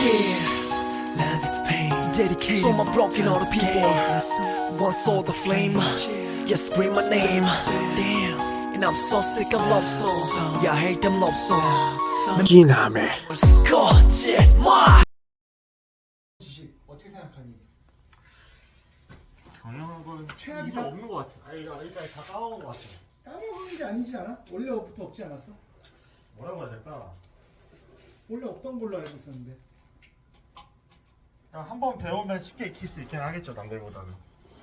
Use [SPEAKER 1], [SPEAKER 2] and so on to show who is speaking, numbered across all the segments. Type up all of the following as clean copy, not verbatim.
[SPEAKER 1] Yeah, love is pain. Dedicated to my broken hearted people. One saw the flame. Yeah, scream my name. Damn, and I'm so sick of love songs. Yeah, I hate them love songs.
[SPEAKER 2] 기남의
[SPEAKER 1] 거짓말.
[SPEAKER 3] 지식 어떻게 생각하니?
[SPEAKER 4] 경영학은
[SPEAKER 3] 최악이다?
[SPEAKER 4] 이거 없는 것 같아. 아니 이거 일단 다 까먹은 것 같아.
[SPEAKER 3] 까먹은 게 아니지 않아? 원래부터 없지 않았어?
[SPEAKER 4] 뭐라고 해야 될까?
[SPEAKER 3] 원래 없던 걸로 알고 있었는데.
[SPEAKER 4] 한 번 배우면 쉽게 익힐 수 있긴 하겠죠, 남들보다는.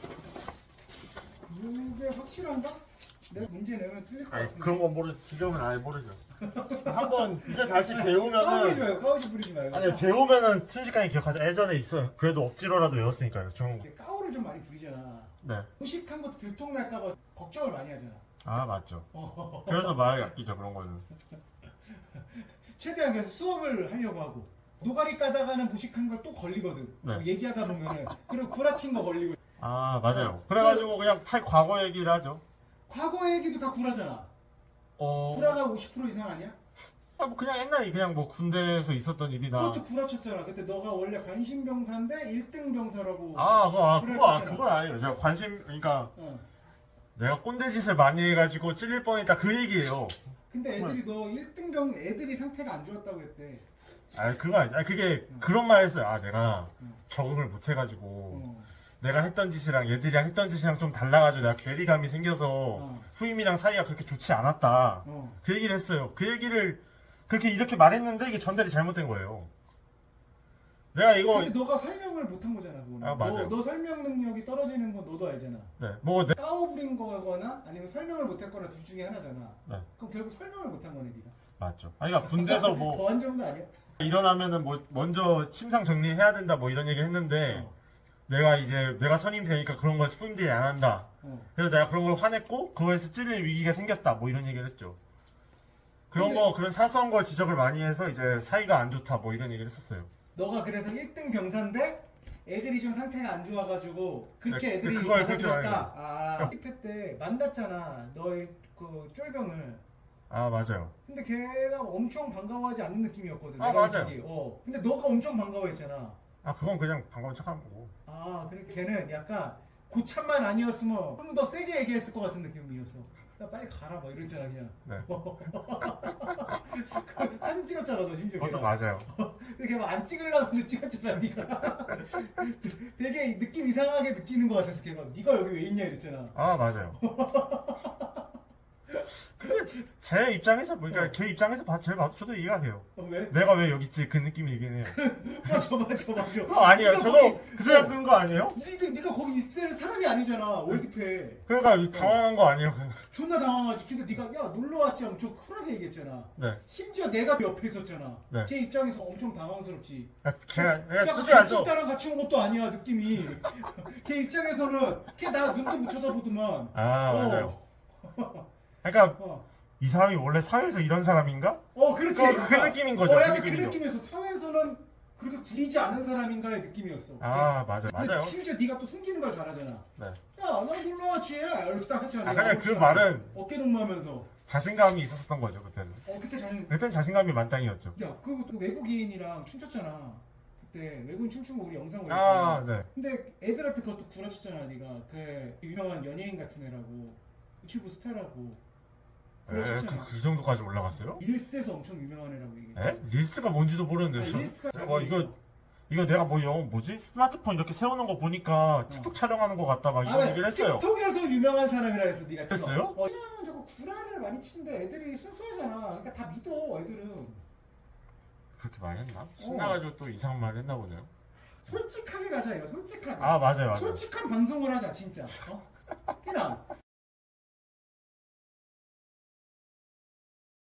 [SPEAKER 3] 그게 확실한가? 내가 문제 내면 틀릴 것
[SPEAKER 4] 아니
[SPEAKER 3] 같은데.
[SPEAKER 4] 그런 건 모르. 지금은 아예 모르죠. 한 번 이제 다시
[SPEAKER 3] 까부리지
[SPEAKER 4] 배우면은
[SPEAKER 3] 말고 까부지 부리지 말고.
[SPEAKER 4] 아니 배우면은 순식간에 기억하죠. 예전에 있어요. 그래도 억지로라도 외웠으니까요. 중국.
[SPEAKER 3] 이제 까오를 좀 많이 부리잖아.
[SPEAKER 4] 네.
[SPEAKER 3] 무식한 것도 들통날까봐 걱정을 많이 하잖아.
[SPEAKER 4] 아 맞죠. 그래서 말을 아끼죠 그런 거는.
[SPEAKER 3] 최대한 그래서 수업을 하려고 하고 노가리 까다가는 무식한 걸 또 걸리거든.
[SPEAKER 4] 네.
[SPEAKER 3] 얘기하다 보면은 그리고 구라친 거 걸리고.
[SPEAKER 4] 아 맞아요. 그래가지고 그냥 차 과거 얘기를 하죠.
[SPEAKER 3] 과거 얘기도 다 구라잖아.
[SPEAKER 4] 어.
[SPEAKER 3] 구라가 50% 이상 아니야?
[SPEAKER 4] 아, 뭐 그냥 옛날에 그냥 뭐 군대에서 있었던 일이나.
[SPEAKER 3] 그것도 구라쳤잖아. 그때 너가 원래 관심 병사인데 1등 병사라고.
[SPEAKER 4] 그거 그건 아니에요. 제가 관심 그러니까
[SPEAKER 3] 어.
[SPEAKER 4] 내가 꼰대 짓을 많이 해가지고 찔릴 뻔했다 그 얘기예요.
[SPEAKER 3] 근데 애들이 너 1등 병 애들이 상태가 안 좋았다고 했대.
[SPEAKER 4] 아 그거 아니. 아 그게 그런 말 했어요. 아 내가 적응을 못 해가지고
[SPEAKER 3] 어.
[SPEAKER 4] 내가 했던 짓이랑 얘들이랑 했던 짓이랑 좀 달라가지고 내가 괴리감이 생겨서
[SPEAKER 3] 어.
[SPEAKER 4] 후임이랑 사이가 그렇게 좋지 않았다.
[SPEAKER 3] 어.
[SPEAKER 4] 그 얘기를 했어요. 그 얘기를 그렇게 이렇게 말했는데 이게 전달이 잘못된 거예요. 내가 이거
[SPEAKER 3] 근데 너가 설명을 못한 거잖아. 그거는.
[SPEAKER 4] 아, 맞아요.
[SPEAKER 3] 너 설명 능력이 떨어지는 건 너도 알잖아.
[SPEAKER 4] 네, 뭐 내,
[SPEAKER 3] 까오 부린 거거나 아니면 설명을 못했거나 둘 중에 하나잖아.
[SPEAKER 4] 네.
[SPEAKER 3] 그럼 결국 설명을 못한 거네 네가.
[SPEAKER 4] 맞죠. 아니 그러니까 군대에서 뭐
[SPEAKER 3] 더 안 좋은 거 아니야?
[SPEAKER 4] 일어나면은 뭐 먼저 침상 정리해야 된다 뭐 이런 얘기 했는데
[SPEAKER 3] 어.
[SPEAKER 4] 내가 선임 되니까 그런 걸 후임들이 안 한다.
[SPEAKER 3] 어.
[SPEAKER 4] 그래서 내가 그런 걸 화냈고 그거에서 찔릴 위기가 생겼다 뭐 이런 얘기를 했죠. 그런
[SPEAKER 3] 근데-
[SPEAKER 4] 거 그런 사소한 걸 지적을 많이 해서 이제 사이가 안 좋다 뭐 이런 얘기를 했었어요.
[SPEAKER 3] 너가 그래서 1등 병사인데 애들이 좀 상태가 안 좋아가지고 그렇게
[SPEAKER 4] 네,
[SPEAKER 3] 애들이
[SPEAKER 4] 그걸 그렇게
[SPEAKER 3] 받아들였다. 아, 1패 때 만났잖아. 너의 그 쫄병을.
[SPEAKER 4] 아 맞아요.
[SPEAKER 3] 근데 걔가 엄청 반가워하지 않는 느낌이었거든.
[SPEAKER 4] 아,
[SPEAKER 3] 내가
[SPEAKER 4] 맞아요.
[SPEAKER 3] 솔직히. 근데 너가 엄청 반가워했잖아.
[SPEAKER 4] 아 그건 그냥 반가운 척한 거고.
[SPEAKER 3] 아, 그러니까 걔는 약간 고참만 아니었으면 좀 더 세게 얘기했을 것 같은 느낌이었어. 야, 빨리 가라, 막 이랬잖아, 그냥.
[SPEAKER 4] 네.
[SPEAKER 3] 그 사진 찍었잖아, 너 심지어.
[SPEAKER 4] 그것도
[SPEAKER 3] 걔랑.
[SPEAKER 4] 맞아요.
[SPEAKER 3] 근데 걔 막 안 찍으려고 근데 찍었잖아, 네가. 되게 느낌 이상하게 느끼는 것 같았어, 걔가. 네가 여기 왜 있냐 이랬잖아.
[SPEAKER 4] 아 맞아요. 근데 제 입장에서 그러니까 걔 입장에서 제일 봐도 저도 이해가 돼요.
[SPEAKER 3] 왜?
[SPEAKER 4] 내가 왜 여기 있지 그 느낌이긴 해요.
[SPEAKER 3] 맞아.
[SPEAKER 4] 아니에요.
[SPEAKER 3] 네가
[SPEAKER 4] 저도
[SPEAKER 3] 거기-
[SPEAKER 4] 그 생각 드는 거 아니에요?
[SPEAKER 3] 네가 거기 있을 사람이 아니잖아, 월드패.
[SPEAKER 4] 그러니까 당황한 거 아니에요?
[SPEAKER 3] 존나 당황하지. 근데 네가 야 놀러 왔지 하면 좀 쿨하게 얘기했잖아.
[SPEAKER 4] 네.
[SPEAKER 3] 심지어 내가 옆에 있었잖아.
[SPEAKER 4] 네.
[SPEAKER 3] 걔 입장에서 엄청 당황스럽지.
[SPEAKER 4] 걔가
[SPEAKER 3] 야,
[SPEAKER 4] 솔직히 알죠?
[SPEAKER 3] 나랑 같이 온 것도 아니야 느낌이. 걔 입장에서는 걔 나 눈도 못 쳐다보더만.
[SPEAKER 4] 아
[SPEAKER 3] 어.
[SPEAKER 4] 맞아요. 그러니까
[SPEAKER 3] 어,
[SPEAKER 4] 이 사람이 원래 사회에서 이런 사람인가?
[SPEAKER 3] 그렇지.
[SPEAKER 4] 그 느낌인 거죠.
[SPEAKER 3] 약간
[SPEAKER 4] 그
[SPEAKER 3] 그
[SPEAKER 4] 느낌이죠.
[SPEAKER 3] 느낌에서 사회에서는 그렇게 구리지 않은 사람인가의 느낌이었어.
[SPEAKER 4] 아 맞아요.
[SPEAKER 3] 근데
[SPEAKER 4] 맞아요.
[SPEAKER 3] 심지어 네가 또 숨기는 걸 잘하잖아.
[SPEAKER 4] 네.
[SPEAKER 3] 야, 나 놀러 왔지. 이렇게 딱 하잖아.
[SPEAKER 4] 아 그냥 그 말은
[SPEAKER 3] 어깨 동무하면서.
[SPEAKER 4] 자신감이 있었던 거죠 그때는.
[SPEAKER 3] 그때 자신.
[SPEAKER 4] 그때는 자신감이 만땅이었죠.
[SPEAKER 3] 야, 그리고 또 외국인이랑 춤췄잖아. 그때 외국인 춤춘 거 우리 영상
[SPEAKER 4] 아
[SPEAKER 3] 올렸잖아.
[SPEAKER 4] 네.
[SPEAKER 3] 근데 애들한테 그것도 구라쳤잖아, 네가. 그 유명한 연예인 같은 애라고. 유튜브 스타라고. 구라쳤잖아.
[SPEAKER 4] 그 정도까지 올라갔어요?
[SPEAKER 3] 릴스에서 엄청 유명한 애라고 얘기해.
[SPEAKER 4] 에? 릴스가 뭔지도 모르는데
[SPEAKER 3] 아니,
[SPEAKER 4] 저.
[SPEAKER 3] 릴스가
[SPEAKER 4] 와 이거 내가 뭐 뭐지? 스마트폰 이렇게 세우는 거 보니까 틱톡 촬영하는 거 같다 막 이런 얘기를 했어요.
[SPEAKER 3] 틱톡에서 유명한 사람이라 해서 네가 찍어.
[SPEAKER 4] 했어요?
[SPEAKER 3] 왜냐면 저거 구라를 많이 치는데 애들이 순수하잖아. 그러니까 다 믿어, 애들은.
[SPEAKER 4] 그렇게 말했나? 신나가지고 또 이상한 말 했나 보네요.
[SPEAKER 3] 솔직하게 가자, 이거. 솔직하게.
[SPEAKER 4] 아 맞아요.
[SPEAKER 3] 솔직한 방송을 하자, 진짜. 그냥